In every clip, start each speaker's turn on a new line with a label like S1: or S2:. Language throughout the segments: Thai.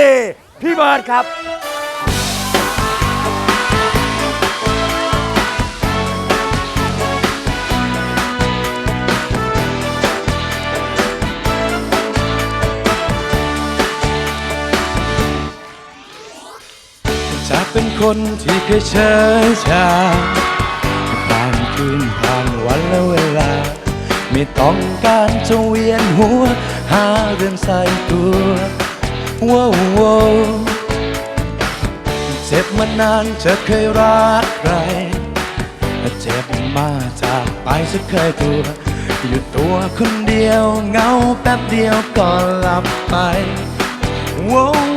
S1: พี่เบิร์ดครับ
S2: จะเป็นคนที่เคยเฉยชาผ่านคืนผ่านวันและเวลาไม่ต้องการจะเวียนหัวหาเรื่องใส่ตัวว้าวเจ็บมานานจะเคยรักใครเจ็บมาจากไปจะเคยตัวอยู่ตัวคนเดียวเงาแป๊บเดียวก็หลับไปว้าว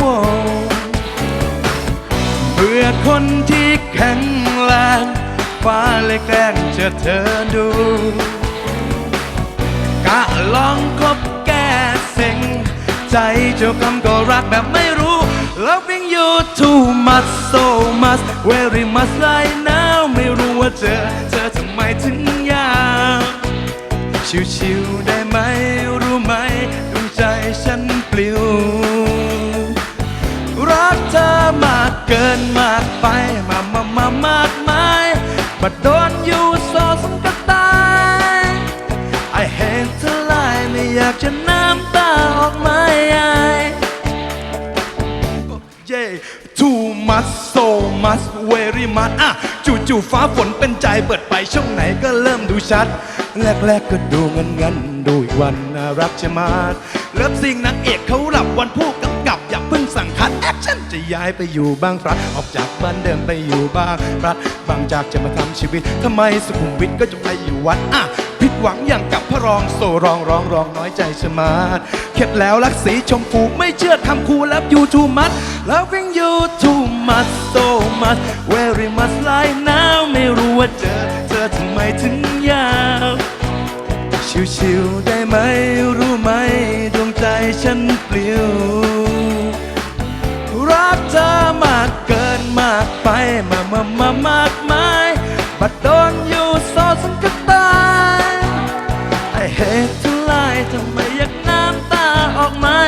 S2: เบื่อคนที่แข็งแรงฟ้าเลยแกล้งเจอเธอดูกะลองคบแก้สิ่งใจเจ้าคำก็รักแบบไม่รู้ Loving you too much so much very much right now ไม่รู้ว่าเธอทำไมถึงยากชิวๆได้ไหมรู้ไหมดวงใจฉันปลิวรักเธอมากเกินมากไปมากมายบัดโดนอยู่โซสังกตาย I hate to lie ไม่อยากจะน้ำตาออกมาToo much so much very much จู่ๆฟ้าฝนเป็นใจเปิดไปช่องไหนก็เริ่มดูชัดแรกๆก็ดูงันดูอีกวันน่ารักจะมาเริ่มสิ่งนางเอกเขาหลับวันผู้กำกับอย่าเพิ่งสั่งคัดแอคชั่นจะย้ายไปอยู่บางพลัดออกจากบ้านเดิมไปอยู่บางพลัดบางจากจะมาทำชีวิตทำไมสุขุมวิทก็จะไปอยู่วัดผิดหวังอย่างกับพระรองโซร้องน้อยใจชะมัดเข็ดแล้วรักสีชมพูไม่เชื่อคำคูแล้วyou too much loving you too much so much very much right now ไม่รู้ว่าเธอทำไมถึงยาวชิวๆได้ไหมรู้ไหมดวงใจฉันปลิวรักเธอมากเกินมากไปมากมายบัดโดนอยู่โซสังกตาย I hate to lie ทำไมอยากน้ำตาออกมา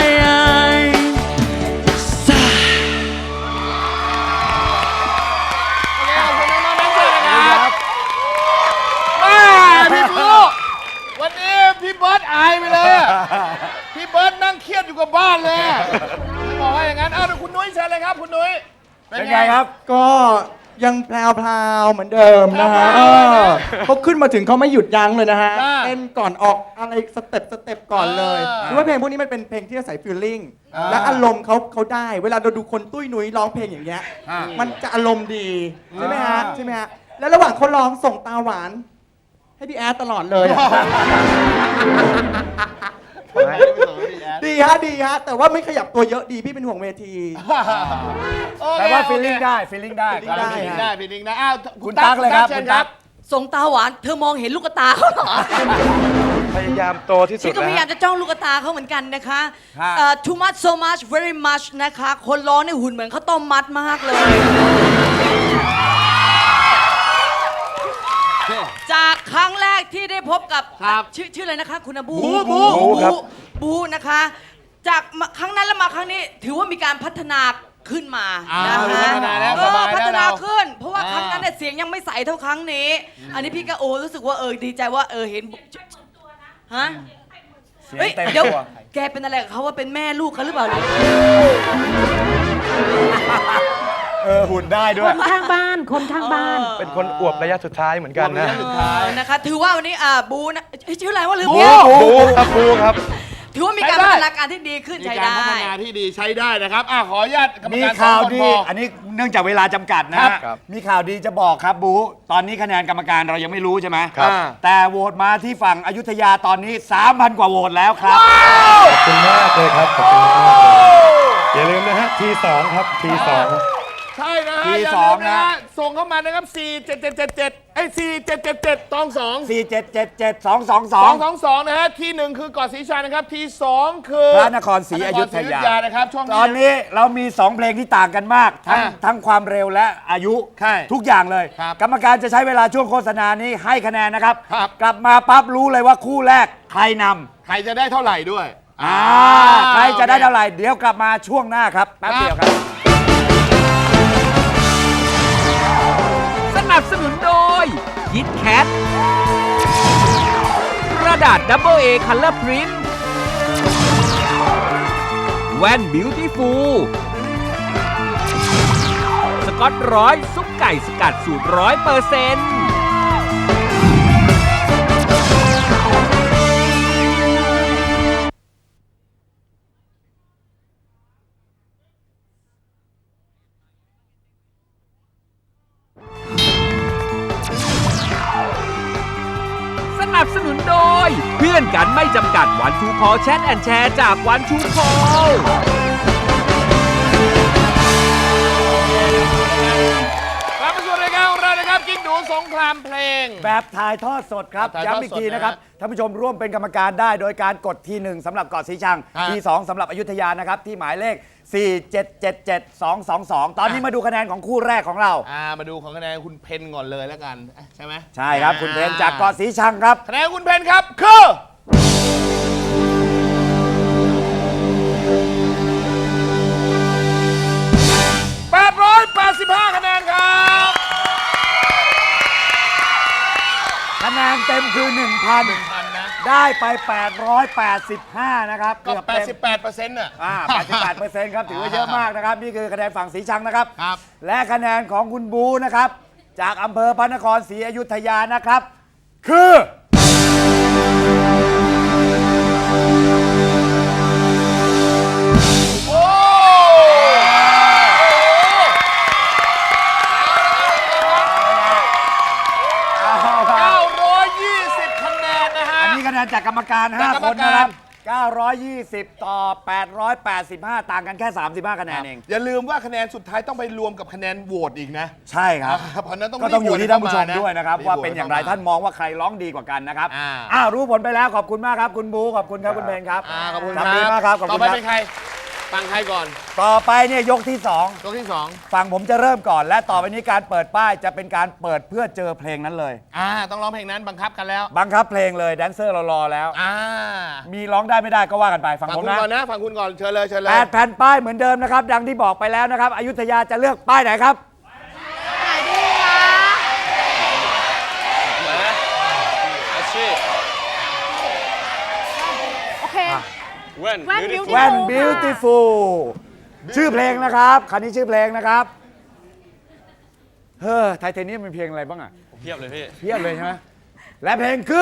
S3: วันนี้พี่เบิร์ดอายไปเลยพี่เบิร์ดนั่งเครียดอยู่กับบ้านเลยบอกว่าอย่างนั้นคุณนุ้ยเชิญเลยครับคุณนุ้ย
S1: เป็นไงครับ
S4: ก็ยังแพรวๆเหมือนเดิมนะฮะเขาขึ้นมาถึงเขาไม่หยุดยั้งเลยนะฮะเต้นก่อนออกอะไรสเต็ปก่อนเลยคือว่าเพลงพวกนี้มันเป็นเพลงที่อาศัยฟีลลิ่งและอารมณ์เขาได้เวลาเราดูคนตุ้ยนุ้ยร้องเพลงอย่างเงี้ยมันจะอารมณ์ดีใช่ไหมฮะแล้วระหว่างเขาร้องส่งตาหวานให้พี่แอดตลอดเลยดีฮะแต่ว่าไม่ขยับตัวเยอะดีพี่เป็นห่วงเวที
S1: แต่ว่าฟีลลิ่งได้
S3: คุณตั๊กเลยครับคุณตั๊ก
S5: ส่งตาหวานเธอมองเห็นลูกตาเขาเหรอ
S1: พยายามโตที่สุด
S5: ฉันก็พยายามจะจ้องลูกตาเขาเหมือนกันนะคะtoo much so much very much นะคะคนร้องในหุ่นเหมือนข้าวต้มมัดมากเลยจากครั้งแรกที่ได้พบกับชื่ออะไรนะคะคุณบูนะคะจากครั้งนั้นแล้วมาครั้งนี้ถือว่ามีการพัฒนาขึ้นมานะคะพัฒนาขึ้นเพราะว่าครั้งนั้นเนี่ยเสียงยังไม่ใสเท่าครั้งนี้อันนี้พี่ก็รู้สึกว่าดีใจว่าเห็นฮะเดี๋ยวแกเป็นอะไรกับเขาว่าเป็นแม่ลูกเขาหรือเปล่า
S1: หุ่นได้ด้วย
S6: คนข้างบ้าน
S1: เป็นคนอวบระยะสุดท้ายเหมือนกัน
S5: นะคะถือว่าวันนี้บูนะชื่ออะไรว่าลืม
S1: บูครับ
S5: ถือว่ามีการพัฒนาการที่ดีขึ้นใช้ได้
S3: มีการพัฒนาที่ดีใช้ได้นะครับขออนุญาตกรรมการ
S1: ข่าวดีอันนี้เนื่องจากเวลาจำกัดนะมีข่าวดีจะบอกครับบูตอนนี้คะแนนกรรมการเรายังไม่รู้ใช่ไหมแต่โหวตมาที่ฝั่งอยุธยาตอนนี้ 3,000 กว่าโหวตแล้วครับ
S2: ขอบคุณมากเลยครับขอบคุณมากอย่าลืมนะฮะT2ครับT2
S3: ใช่นะฮะทีสองนะส่งเข้ามานะครับ4777 222 นะฮะที่1คือเกาะศรีชัยนะครับที่2คือ
S1: พระนครศรีอยุธยา
S3: นะครับช่วง
S1: ตอนนี้เรามี2เพลงที่ต่างกันมากทั้งความเร็วและอายุทุกอย่างเลยกรรมการจะใช้เวลาช่วงโฆษณานี้ให้คะแนนนะครับกลับมาปั๊บรู้เลยว่าคู่แรกใครนำ
S3: ใครจะได้เท่าไหร่ด้วย
S1: ใครจะได้เท่าไหร่เดี๋ยวกลับมาช่วงหน้าครับแป๊บเดียวครับ
S6: สนับสนุนโดยยิดแคทกระดาษ Double A Color Print แว่น Beautiful สกอตร้อยซุปไก่สกัดสูตร100%สนับสนุนโดยเพื่อนกันไม่จำกัดวันทูคอแชทแอนแชร์จากวันทูคอ
S3: กลับมาสู่รายการของเรานะครับกิ๊กดูสงครามเพลง
S1: แบบถ่ายทอดสดครับ
S3: ถ่ายทอดสด
S1: ย้ำอีกทีนะครับท่านผู้ชมร่วมเป็นกรรมการได้โดยการกดที 1สำหรับเกาะสีชัง ที 2สำหรับอยุธยานะครับที่หมายเลข 4777222 ตอนนี้มาดูคะแนนของคู่แรกของเรา
S3: มาดูของคะแนนคุณเพนก่อนเลยแล้วกันใช่ไหม
S1: ใช่ครับคุณเพนจากเกาะสีชังครับ
S3: คะแนนคุณเพนครับคือ885คะแนนครับ
S1: คะแนนเต็มคือ 1,000
S3: นะ
S1: ได้ไป 885 นะครับ
S3: ก็
S1: เกือบเต็ม
S3: 88%น่ะ
S1: 88%ครับถือว่าเยอะมากนะครับ นี่คือคะแนนฝั่งสีชังนะครับ
S3: ครับ
S1: และคะแนนของคุณบูนะครับ จากอำเภอพระนครศรีอยุธยานะครับ คือ
S3: โอ้
S1: เอาครับ
S3: 920 คะแนนนะฮะ
S1: อันนี้คะแนนจากกรรมการ
S3: จากกรร
S1: 5
S3: ม
S1: คน
S3: การ
S1: นะครับ 920 ต่อ 885 ต่างกันแค่ 35 คะแนนเอง
S3: อย่าลืมว่าคะแนนสุดท้ายต้องไปรวมกับคะแนนโหวตอีกนะ
S1: ใช่ครับ
S3: เพราะฉะนั้นต้อง
S1: ก็ต้องอยู่ที่ท่านผู้ชม
S3: รีบโหวต
S1: ด้วยนะครับ
S3: เข้ม
S1: ว่าเป็นอย่างไร
S3: รีบโหวต
S1: ท่านมองว่าใครร้องดีกว่ากันนะครับ
S3: อ่า
S1: รู้ผลไปแล้วขอบคุณมากครับคุณบูขอบคุณครับคุณเพนครับ
S3: ขอบคุณ
S1: ทำดีมากครับขอบ
S3: ต่อ
S1: คุณ
S3: ไป
S1: ครับ
S3: เป็นใครฟังใครก่อน
S1: ต่อไปเนี่ยยกที่
S3: ยกที่
S1: 2 ฝั่งผมจะเริ่มก่อน และต่อไปนี้การเปิดป้ายจะเป็นการเปิดเพื่อเจอเพลงนั้นเลย
S3: 2ต้องร้องเพลงนั้นบังคับกันแล้ว
S1: บังคับเพลงเลยแดนเซอร์เรารอแล้ว
S3: อ่า
S1: มีร้องได้ไม่ได้ก็ว่ากันไปฝั่ง
S3: ฟัง
S1: ผม
S3: คุณ
S1: นะ
S3: ก่อนนะฟังคุณก่อนเชิญเลยเชิญเลย
S1: 8 แผ่นป้ายเหมือนเดิมนะครับ ดังที่บอกไปแล้วนะครับอยุธยาจะเลือกป้ายไหนครับ
S7: โอเค แว่น
S1: แว่น beautiful ชื่อเพลงนะครับคันนี้ชื่อเพลงนะครับไทเทเนียมเป็นเพลงอะไรบ้างอ่ะ
S8: เพียบเลยพี่
S1: เพียบเลยใช่ไหมและเพลงคือ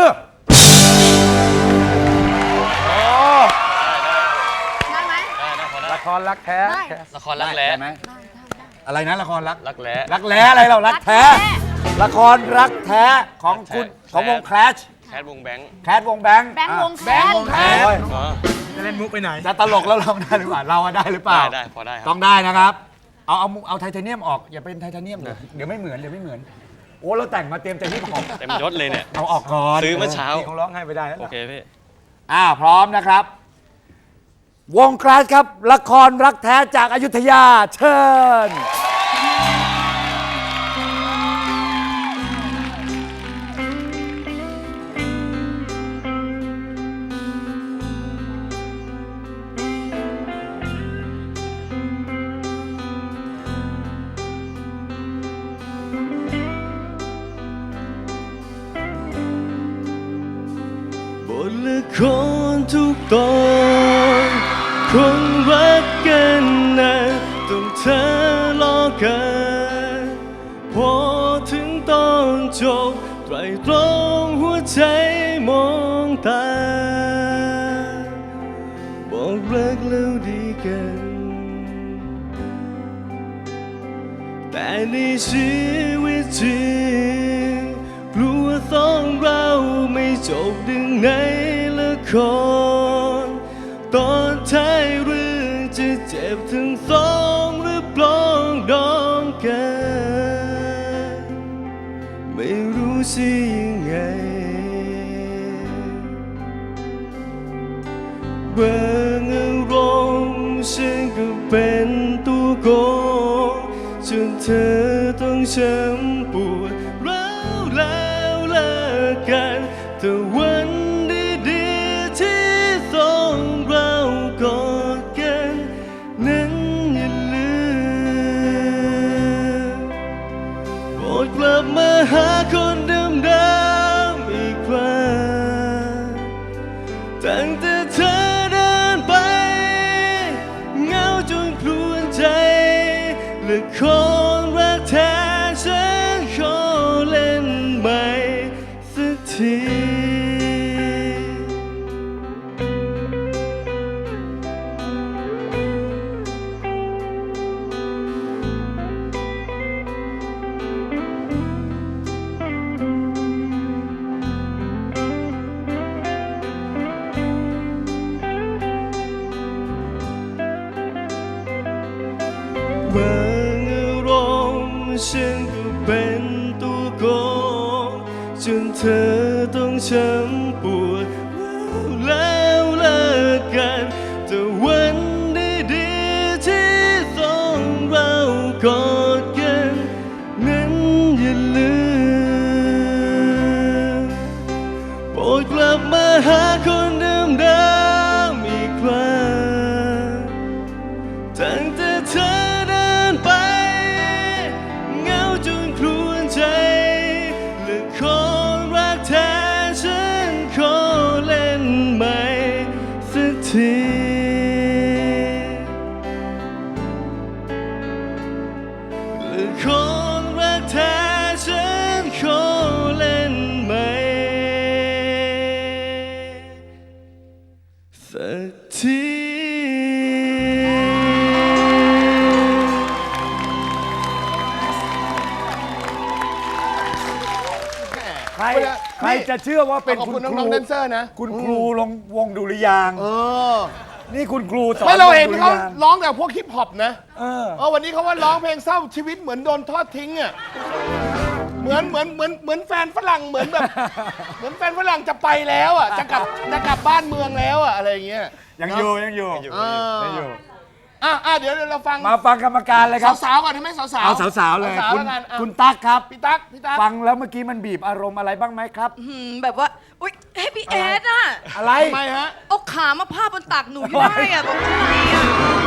S7: ได้ไหม
S8: ได้นะพอได้
S1: ละครรักแท้
S7: ได้
S8: ละครรักแร้
S1: ได้ไหมอะไรนะละครรัก
S8: รักแร้
S1: รักแร้อะไรเรารักแท้ ละครรักแท้ของคุณของวง Clash
S8: แคทวงแบงค์
S1: แคทวงแบงค์
S7: แบงค์วงแค
S3: แบงค์วงแคท
S1: โอ้ย
S8: อ๋อ
S1: จะตลกแล้วร้องได้หรือเปล่าเราอะได้หรือเปล่า
S8: ได้พอได้ค
S1: ต้
S8: รั
S1: อบ งได้นะครับ เอาไทเทเนียมออกอย่าเป็นไทเทเนียมเลยเดี๋ยวไม่เหมือนโอ้เราแต่งมาเตรียมใจที่ของ
S8: เต็มยศเลยเนี่ย
S1: เอาออกก่อน
S8: ซื้อเมื่อเช้า
S1: เขาร้องให้ไปได้แล้ว
S8: โอเคพี่
S1: พร้อมนะครับ วงคลาสครับ ละครรักแท้จากอยุธยาเชิญ
S2: บทละครทุกตอนคนรักกันนะต้องเธอรอกันพอถึงตอนจบไตรตรองหัวใจมองตาบอกรักแล้วดีกัน แต่ในชีวิตจริงกลัวสองเราไม่จบดึงในละครตอนท้ายเรื่องจะเจ็บทั้งสองหรือปลองดองกันไม่รู้สิยังไงบางอารมณ์ฉันก็เป็นตัวโกงจนเธอต้องช้ำปวดร้าวแล้วเลิกกันแต่วันดีๆที่สองเราจนครวญใจและคนรักแท้ฉันขอเล่นใหม่สักที บางอารมณ์ฉันก็เป็นตัวโกงจนเธอต้องช้ำปวดแล้วเลิกกันแต่วันดีๆที่ต้องเรากอดกันนั้นอย่าลืมโปรดกลับมาหาคนเดิมๆอีกครั้งตั้งแต่เธอเดินไปเหงาจนครวญใจและคนรักแท้ฉันขอเล่นใหม่สักทีและคนรักแท้ฉันขอเล่นใหม่สักที
S1: ใครจะเชื่อว่าเป็น
S3: ขอบ
S1: คุ
S3: คุณ
S1: ณค
S3: น้
S1: รู
S3: องๆแดนเซอร์นะ
S1: คุณครูลงวงดุริยางค์ นี่คุณครูสอน
S3: ไม่เราเห็น
S1: วงดุ
S3: เขา
S1: ยางค์
S3: ร้องแต่พวกฮิปฮอปนะ
S1: เออ
S3: วันนี้เขาว่าร้องเพลงเศร้าชีวิตเหมือนโดนทอดทิ้งอ่ะเหมือนแฟนฝรั่งเหมือนแบบ เหมือนแฟนฝรั่งจะไปแล้วอ่ะจะกลับบ้านเมืองแล้วอ่ะอะไรอย่างเงี้ย
S1: ยังอยู่
S3: อ่า
S1: ยังอยู่
S3: เดี๋ยวเราฟัง
S1: มาฟังกรรมการเลยครับ
S3: สาวๆก่อนใช่ไหมสาวๆ
S1: เอาสาวๆเลย
S3: สาวๆ
S1: คุณ
S3: แล้วกันอ่ะ
S1: คุณตั๊กครับ
S3: พี่ตั๊ก
S1: ฟังแล้วเมื่อกี้มันบีบอารมณ์อะไรบ้างไหมครับ
S5: แบบว่า อุ๊ยเฮ้ยพี่แอดอะ
S1: อะไร
S3: ทำไมฮะ
S5: เอาขามาพาดบนตักหนูอยู่ได้อะบอกทำไมอะ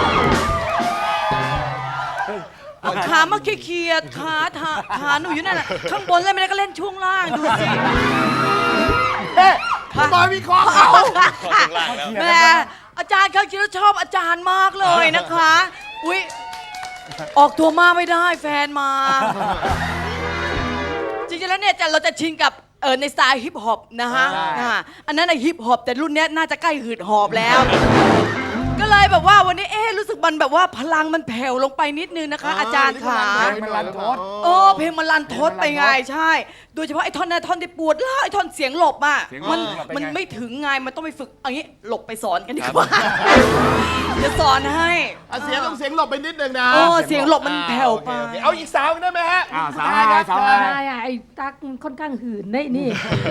S5: เอาขามาเคลียร์ๆขาหนูอยู่นั่นแหละข้างบนเล่นไม่ได้ก็เล่นช่วงล่างดูสิ
S3: คุณบอยวิเคราะห์เขา
S5: แม่อาจารย์เขาคิดว่าชอบอาจารย์มากเลยนะคะ อุ๊ย ออกตัวมากไม่ได้แฟนมา จริงๆแล้วเนี่ยเราจะชินกับในสไตล์ฮิปฮอปนะฮะอันนั้นฮิปฮอปแต่รุ่นเนี้ยน่าจะใกล้หืดหอบแล้ว ก็เลยแบบว่าวันนี้รู้สึกมันแบบว่าพลังมันแผ่วลงไปนิดนึงนะคะ อาจารย์ขา
S1: มันรันทด
S5: เพลงมันรันทดไปไงใช่ โดยเฉพาะไอ้ท่อนนั้นท่อนที่ปวดแล้วไอ้ท่อนเสียงหลบอ่ะ
S1: เสียงหลบเป็นไง
S5: มันไม่ถึงไงมันต้องไปฝึกเอันนี้หลบไปสอนกันดีกว่าจะสอนให้
S3: เสียงต้องเสียงหลบไปนิดนึงนะ
S5: เสียงหลบมันแผ่วไป
S3: โอเคเอาอีกสาวได้ไหมฮะ
S1: สาวอะไรสาวอะไร
S7: ใช่ไอ้ตั๊กมันค่อนข้างหื่นได้นี่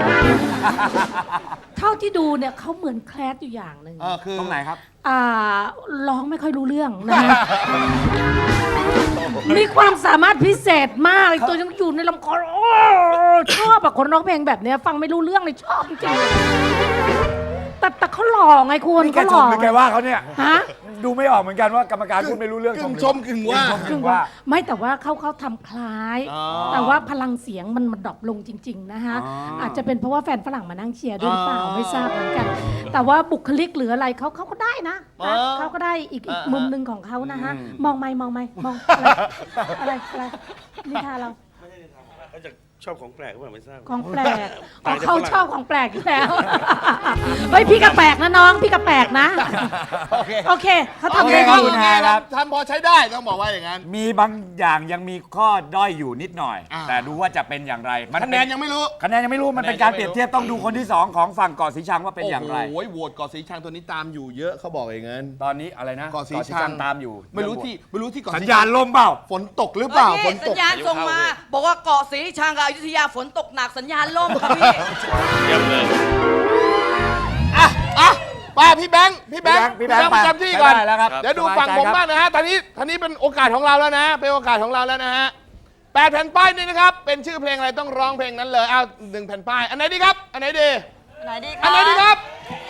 S7: เท่าที่ดูเนี่ยเขาเหมือนแคลสอยู่อย่างหนึ่ง
S3: คือ
S1: ตรงไหนครับ
S7: ร้องไม่ค่อยรู้เรื่องนะฮะ มีความสามารถพิเศษมากเลยตัวยังอยู่ในลำคอโอ้ชอบอะคนร้องเพลงแบบเนี้ยฟังไม่รู้เรื่องเลยชอบจริงๆแต่เขาหล่อไงคุณ
S1: นี่แก
S7: เขาห
S1: ช
S7: ล่
S1: ม
S7: อ
S1: หรือแกว่าเขาเนี่ย
S7: ฮะ
S1: ดูไม่ออกเหมือนกันว่ากรรมการพูดไม่รู้เรื่อง
S3: กึ่งชมกึ่งว่า
S1: กึ่งว่า
S7: ไม่แต่ว่าเขาทำคล้าย แต่ว่าพลังเสียงมันดรอปลงจริง ๆ นะคะ อาจจะเป็นเพราะว่าแฟนฝรั่งมานั่งเชียร์ด้วยหรือเปล่าไม่ทราบเหมือนกัน แต่ว่าบุคลิกหรืออะไรเขาก็ได้นะเขาก็ได้อีกมุมหนึ่งของเขานะฮะมองไม่มองอะไรนิทานเรา
S8: ชอบของแปลกหรือเปล่าไม่ทราบ
S7: ของแปลกเขาชอบของแปลกอยู่แล้ว เฮ้ยพี่กระแปลกนะน้องพี่กระแปลกนะ โอเคเขาทำได้
S1: ขอบ
S7: ดี
S1: คุณแฮร์ครับ
S3: ทำพอใช้ได้ต้องบอกว่าอย่างนั้น
S1: มีบางอย่างยังมีข้อด้อยอยู่นิดหน่อย แต่ดูว่าจะเป็นอย่างไร
S3: คะแนนยังไม่รู้
S1: คะแนนยังไม่รู้มันเป็นการเปรียบเทียบต้องดูคนที่ 2 ของฝั่งเกาะสีชังว่าเป็นอย่างไร
S3: โอ้โหโหวตเกาะสีชังตัวนี้ตามอยู่เยอะเขาบอกอย่างนั้น
S1: ตอนนี้อะไรนะ
S3: เกาะสีชัง
S1: ตามอยู่
S3: ไม่รู้ที่เกาะ
S1: สัญ
S3: สี
S1: ญาณลมเปล่า
S3: ฝนตกหรือเปล่า
S5: เฮ้ย
S3: ฝน
S5: นี่
S3: ต
S5: สั
S3: ก
S5: ญญาณส่งมา บอกว่าเกาะศรีชังกับอยุธยาฝนตกหนักสัญญาณล่มครับพี่
S3: ป้าพี่แบงค์
S1: พี่แบงค์
S3: ประจำที่ก่อน
S1: ได้แล้วครับ
S3: เดี๋ยวดูฝั่งผมบ้างนะฮะตอนนี้เป็นโอกาสของเราแล้วนะ เป็นโอกาสของเราแล้วนะฮะ8 แผ่นป้ายนี่นะครับ เป็นชื่อเพลงอะไรต้องร้องเพลงนั้นเลยเอา1 แผ่นป้าย อันไหนดีครับ อันไหนดี
S5: ไหนดีค
S3: อัน
S5: รับ
S3: ไหนดีครับ